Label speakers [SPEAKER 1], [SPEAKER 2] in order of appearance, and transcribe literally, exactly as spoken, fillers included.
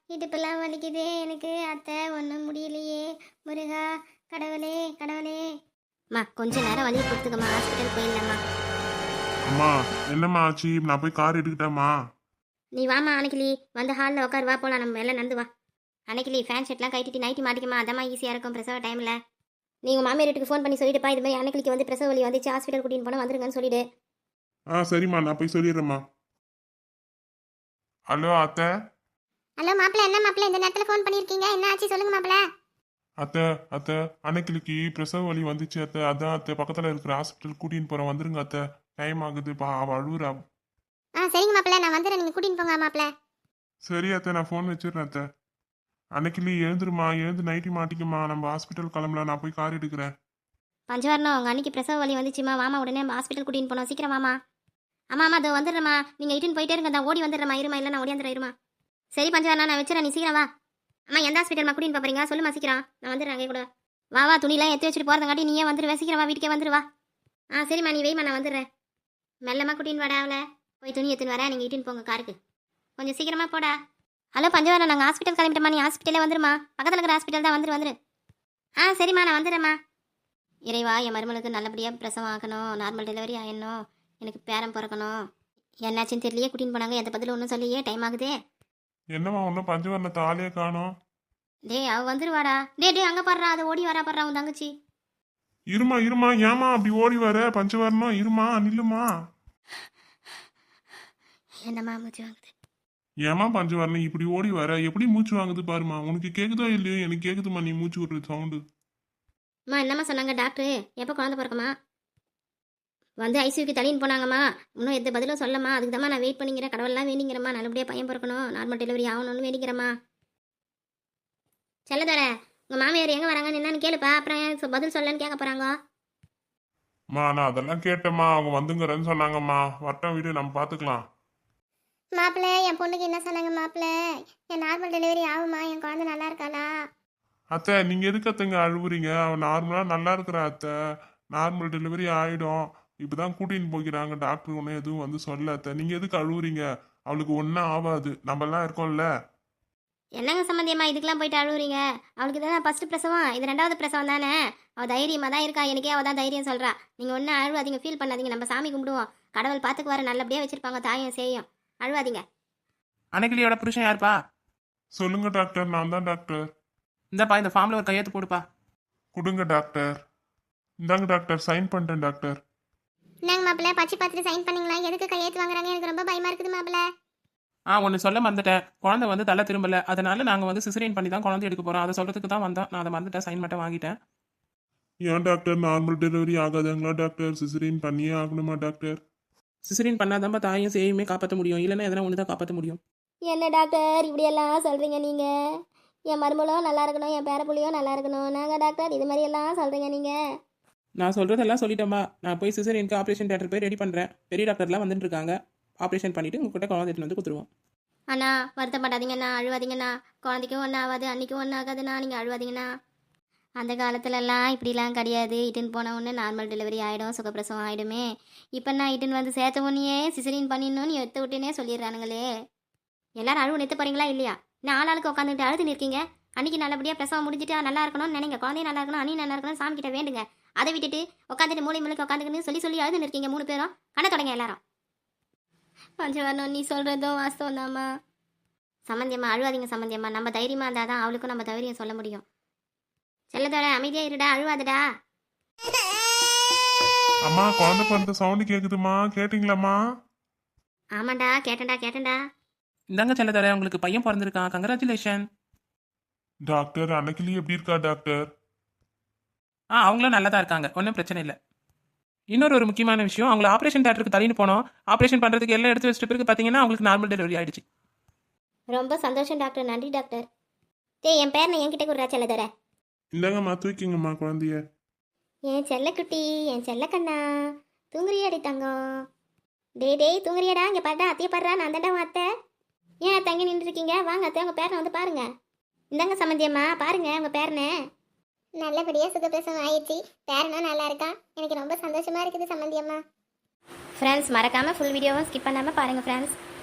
[SPEAKER 1] இடுப்பெல்லாம் வலிக்குதே எனக்கு அத்தை, ஒன்றும் முடியலையே. முருகா, கடவுளே கடவுளே. அம்மா கொஞ்ச நேரம் வலியை கொடுத்துக்கம்மா, ஹாஸ்பிட்டல் போயிடலாம்மா.
[SPEAKER 2] அம்மா என்னம்மா ஆச்சு? நான் போய் கார் எடுக்கிட்டேம்மா.
[SPEAKER 1] நீ வாமா அன்னைக்கிளி, வந்து ஹாலில் உட்காரு, வா போகலாம், நம்ம எல்லாம் நடந்து வா. அன்னைக்கிளி ஃபேன் ஷர்ட்லாம் கட்டிட்டு நைட்டி மாட்டிக்கமா, அதம்மா ஈஸியாக இருக்கும் பிரசவ டைமில். நீ உங்கள் மாமியார் வீட்டுக்கு ஃபோன் பண்ணி சொல்லிட்டுப்பா, இது மாதிரி அன்னைக்கிளிக்கு வந்து பிரசவ வலி வந்துச்சு, ஹாஸ்பிட்டல் கூட்டின்னு போனால் வந்துருங்கன்னு சொல்லிடு.
[SPEAKER 2] ஆ சரிம்மா, நான் போய் சொல்லிடுறேம்மா. ஹலோ அத்தை.
[SPEAKER 1] ஹலோ மாப்பிள்ள, என்ன மாப்பிள்ள இந்த நேரத்தில் ஃபோன் பண்ணியிருக்கீங்க? என்ன ஆச்சு சொல்லுங்க மாப்பிள்ள.
[SPEAKER 2] அத்தை அத்தை அன்னைக்கிளிக்கு பிரசவ வலி வந்துச்சு அத்தை, அதான் அத்தை பக்கத்தில் இருக்கிற ஹாஸ்பிட்டல் கூட்டின்னு போகிறேன், வந்துருங்க அத்தை. டைம் ஆகுதுப்பா, அவள் அழுகுறா.
[SPEAKER 1] ஆ சரிங்க மாப்பிள்ள, நான் வந்துடுறேன், நீங்கள் கூட்டின்னு போங்க மாப்பிள்ள.
[SPEAKER 2] சரி அத்தை, நான் ஃபோன் வச்சிடுறேன் அத்தை. அன்னைக்கிளி எழுந்துருமா, எழுந்து நைட்டி மாட்டிக்குமா, நம்ம ஹாஸ்பிட்டல் கிளம்பலாம், நான் போய் கார் எடுக்கிறேன்.
[SPEAKER 1] பஞ்சவரணம், உங்கள் அன்னைக்கு பிரசவ வலி வந்துச்சுமா, வாமா உடனே ஹாஸ்பிட்டல் கூட்டின்னு போனோம், சீக்கிரம் வாமா. ஆமா ஆமா அதோ வந்துடுறேம்மா, நீங்கள் இட்டுன்னு போயிட்டே இருங்க, தான் ஓடி வந்துடுறேம்மா, இருமா இல்லை நான் ஓடியாந்துடுறேன், இருமா. சரி பஞ்சவரணம், நான் வச்சுறேன், நீ சீக்கிரம் வா. அம்மா எந்த ஹாஸ்பிட்டல்மா கூட்டின்னு போறீங்க சொல்லுமா, சீக்கிரம் நான் வந்துடுறேன் அங்கே கூட. வா வா, துணிலாம் எடுத்து வச்சுட்டு போகிறதங்காட்டி நீயே வந்துடுவேன், சீக்கிரம் வா, வீட்டுக்கே வந்துடுவா. ஆ சரிம்மா, நீ வெய்மா, நான் வந்துடுறேன். மெல்லமாக கூட்டின்னு வாடா அவளை, போய் துணி எடுத்துன்னு வரேன், நீங்கள் இட்டுன்னு போங்க காருக்கு, கொஞ்சம் சீக்கிரமா போடா. ஹலோ பஞ்சவரணம், நாங்கள் ஹாஸ்பிட்டல் கிளம்பிட்டோம்மா, நீ ஹாஸ்பிட்டலே வந்துருமா, பக்கத்தில் இருக்கிற ஹாஸ்பிட்டல் தான், வந்துரு வந்துரு. ஆ சரிம்மா, நான் வந்துடுறேம்மா. இறைவா, என் மருமலுக்கு நல்லபடியாக பிரசவம் ஆகணும், நார்மல் டெலிவரி ஆயிடணும், எனக்கு பேரம் பிறக்கணும். என்னாச்சுன்னு தெரியலையே, கூட்டின்னு போனாங்க, எந்த பதில் ஒன்றும் சொல்லியே, டைம் ஆகுதே.
[SPEAKER 2] என்னம்மா ஒன்றும் பஞ்சவரணத்தை ஆளையே காணோம்.
[SPEAKER 1] டேய் அவ வந்துருவாடா, டே டே அங்கே பாடுறா, அதை ஓடி வரா பாடுறா உன் தங்கச்சி.
[SPEAKER 2] இருமா இருமா, ஏமா அப்படி ஓடி வர? பஞ்சவரணம் இருமா, நில்லுமா.
[SPEAKER 1] என்னம்மா மூச்சு வாங்குது?
[SPEAKER 2] ஏமா பஞ்சவரணம் இப்படி ஓடி வர? எப்படி மூச்சு வாங்குது பாருமா, உனக்கு கேக்குதோ இல்லையோ, எனக்கு கேக்குதுமா நீ மூச்சு விடுற சவுண்டு.
[SPEAKER 1] அம்மா என்னம்மா சொன்னாங்க டாக்டரு, எப்போ குழந்தை பிறக்குமா? வந்து ஐசியூக்கு தள்ளின்னு போனாங்கம்மா, இன்னும் எந்த பதிலும் சொல்லம்மா, அதுக்கு தான் நான் வெயிட் பண்ணிக்கிறேன், கடவுள்லாம் வேண்டிங்கிறம்மா, நல்லபடியாக பையன் பிறக்கணும், நார்மல் டெலிவரி ஆகணும்னு வேண்டிக்கிறம்மா. செல்லதோர, உங்கள் மாமியார் எங்கே வராங்கன்னு என்னன்னு கேளுப்பா, அப்புறம் ஏன் சொ- பதில் சொல்லன்னு கேட்க போகிறாங்க.
[SPEAKER 2] மா நான் அதெல்லாம் கேட்டேம்மா, அவங்க வந்துங்கிறேன்னு சொன்னாங்கம்மா, வட்டம் வீடு நம்ம பார்த்துக்கலாம்.
[SPEAKER 1] மாப்பிள்ளை, என் பொண்ணுக்கு என்ன சொன்னாங்க மாப்பிள்ளை? என் நார்மல் டெலிவரி ஆகுமா, என் குழந்தை நல்லா இருக்காளா?
[SPEAKER 2] அத்தை நீங்க எதுக்கு அத்தைங்க அழுவுறீங்க? அவன் நார்மலா நல்லா இருக்கிற அத்தை, நார்மல் டெலிவரி ஆயிடும். இப்பதான் கூட்டின்னு போகிறாங்க டாக்டர், ஒன்றும் எதுவும் வந்து சொல்ல அத்தை, நீங்க எதுக்கு அழுவுறீங்க? அவளுக்கு ஒன்றும் ஆகாது, நம்ம எல்லாம் இருக்கோம்ல.
[SPEAKER 1] என்னங்க சம்மந்தியம்மா இதுக்கெல்லாம் போயிட்டு அழுவுறீங்க? அவளுக்கு தான் ஃபர்ஸ்ட் பிரசவம், இது ரெண்டாவது பிரசவம் தானே, அவள் தைரியமாக தான் இருக்கா, எனக்கே அவள் தான் தைரியம் சொல்கிறா. நீங்கள் ஒன்றும் அழுவாதீங்க, ஃபீல் பண்ணாதீங்க, நம்ம சாமி கும்பிடுவோம், கடவுள் பார்த்துக்குவாரு, நல்லபடியாக வச்சுருப்பாங்க, தாயும் செய்யும், அழுவாதீங்க.
[SPEAKER 3] அன்னைக்கிளியோட புருஷன் யாருப்பா?
[SPEAKER 2] சொல்லுங்க டாக்டர், நான் தான் டாக்டர்.
[SPEAKER 3] இந்தப்பா இந்த ஃபார்ம்ல ஒரு கையெழுத்து போடுப்பா.
[SPEAKER 2] கொடுங்க டாக்டர். இந்தாங்க டாக்டர், சைன் பண்ணிட்டேன் டாக்டர்.
[SPEAKER 1] என்னங்க மாப்பிள்ள, பச்சை பார்த்துட்டு சைன் பண்ணீங்களா? எதுக்கு கையெழுத்து வாங்குறாங்க? எனக்கு ரொம்ப பயமா இருக்குது மாப்பிள்ள.
[SPEAKER 3] ஆ ஒன்று சொல்ல மறந்துட்டேன், குழந்தை வந்து தலை திரும்பல, அதனால நாங்கள் வந்து சிசரியன் பண்ணி தான் குழந்தை எடுக்க போகிறோம், அதை சொல்கிறதுக்கு தான் வந்தோம், நான் அதை மறந்துட்டேன், சைன் மட்டும் வாங்கிட்டேன்.
[SPEAKER 2] ஏன் டாக்டர் நார்மல் டெலிவரி ஆகாதுங்களா டாக்டர்? சிசரியன் பண்ணியே ஆகணுமா டாக்டர்?
[SPEAKER 3] சிசரியன் பண்ணாதான் தாயும் சேயுமே காப்பாற்ற முடியும், இல்லைன்னா எதனா ஒன்று தான் காப்பாற்ற முடியும்.
[SPEAKER 1] என்ன டாக்டர் இப்படியெல்லாம் சொல்கிறீங்க நீங்கள்? என் மருமகளும் நல்லா இருக்கணும், என் பேரப்புள்ளியும் நல்லா இருக்கணும், நாங்கள் டாக்டர் இது மாதிரி எல்லாம் சொல்கிறீங்க நீங்கள்?
[SPEAKER 3] நான் சொல்கிறதெல்லாம் சொல்லிட்டேன்பா, நான் போய் சிசரியனுக்கு ஆப்ரேஷன் தேட்டர் போய் ரெடி பண்ணுறேன், பெரிய டாக்டர்லாம் வந்துட்டு இருக்காங்க, ஆப்ரேஷன் பண்ணிவிட்டு உங்ககிட்ட குழந்தை எடுத்துட்டு வந்து கொடுத்துருவோம்.
[SPEAKER 1] அண்ணா வருத்தப்படாதீங்கண்ணா, அழுவாதீங்கண்ணா, குழந்தைக்கும் ஒன்றும் ஆகாது, அன்றைக்கும் ஒன்றும் ஆகாதுண்ணா, நீங்கள் அழுவாதீங்கண்ணா. அந்த காலத்துலலாம் இப்படிலாம் கிடையாது, இட்டுன்னு போன உடனே நார்மல் டெலிவரி ஆகிடும், சுகப்பிரசவம் ஆகிடுமே. இப்போ நான் இட்டுன்னு வந்து சேர்த்த உடனே சிசரின் பண்ணிடணும்னு எடுத்து விட்டுனே சொல்லிடுறானுங்களே. எல்லாரும் அழுவு நிறுத்த போகிறீங்களா இல்லையா? நான் ஆளாளுக்கு உட்காந்துட்டு அழுது நிற்கீங்க. அன்றைக்கி நல்லபடியாக பிரசவம் முடிஞ்சிட்டு நல்லா இருக்கணும்னு நினைங்க, குழந்தையும் நல்லா இருக்கணும், அண்ணி நல்லா இருக்கணும், சாமி கிட்ட வேண்டுங்க. அதை விட்டுட்டு உட்காந்துட்டு மூளை மூளைக்கு உட்காந்துக்கின்னு சொல்லி சொல்லி அழுது நிற்கீங்க மூணு பேரும். கண்ண தொடங்க எல்லாரும். பஞ்சவரணம், நீ சொல்கிறதும் வாஸ்தவம் தாம்மா. சம்மந்தியம்மா அழுவாதீங்க சம்மந்தியம்மா, நம்ம தைரியமாக இருந்தால் தான் அவளுக்கும் நம்ம தைரியம் சொல்ல முடியும். செல்லதோட அமைதியா இருடா, அழுவாதடா.
[SPEAKER 2] அம்மா குழந்தை பிறந்த சவுண்டு கேக்குதுமா, கேட்டிங்களாம்மா?
[SPEAKER 1] ஆமாண்டா, கேட்டேன்டா கேட்டேன்டா.
[SPEAKER 3] இந்தாங்க செல்லதர, உங்களுக்கு பையன் பிறந்திருக்கான், கங்க்ராச்சுலேஷன்.
[SPEAKER 2] டாக்டர் அன்னைக்கிளி எப்படி இருக்கா டாக்டர்?
[SPEAKER 3] ஆ அவங்களும் நல்லா தான் இருக்காங்க, ஒன்றும் பிரச்சனை இல்லை. இன்னொரு ஒரு முக்கியமான விஷயம், அவங்களை ஆப்ரேஷன் தேட்டருக்கு தள்ளின்னு போனோம், ஆப்ரேஷன் பண்ணுறதுக்கு எல்லாம் எடுத்து வச்சிட்ட பிறகு பார்த்தீங்கன்னா அவங்களுக்கு நார்மல் டெலிவரி ஆயிடுச்சு.
[SPEAKER 1] ரொம்ப சந்தோஷம் டாக்டர், நன்றி டாக்டர். டேய் என் பேர் என்கிட்ட கொடுறா செல்லதோட.
[SPEAKER 2] இந்தாங்கம்மா தூக்கிங்கம்மா குழந்தைய.
[SPEAKER 1] என் செல்லக்குட்டி, என் செல்லக்கண்ணா, தூங்குறியாடி தங்கம்? டே டேய் தூங்குறியாடா? இங்கே பாருடா, அத்தையை பாடுறா, நான் தாண்டா உன் அத்தை. ஏன் தங்கி நின்றுருக்கீங்க? வாங்க அத்தை, உங்கள் பேரனை வந்து பாருங்க. இந்தாங்க சம்மந்தியம்மா, பாருங்க உங்கள் பேரனை. நல்லபடியாக சுகப்பிரசவம் ஆயிடுச்சு, பேரனும் நல்லா இருக்கா, எனக்கு ரொம்ப சந்தோஷமா இருக்குது சம்மந்தியம்மா. ஃப்ரெண்ட்ஸ் மறக்காமல் ஃபுல் வீடியோவும் ஸ்கிப் பண்ணாமல் பாருங்கள் ஃப்ரெண்ட்ஸ்.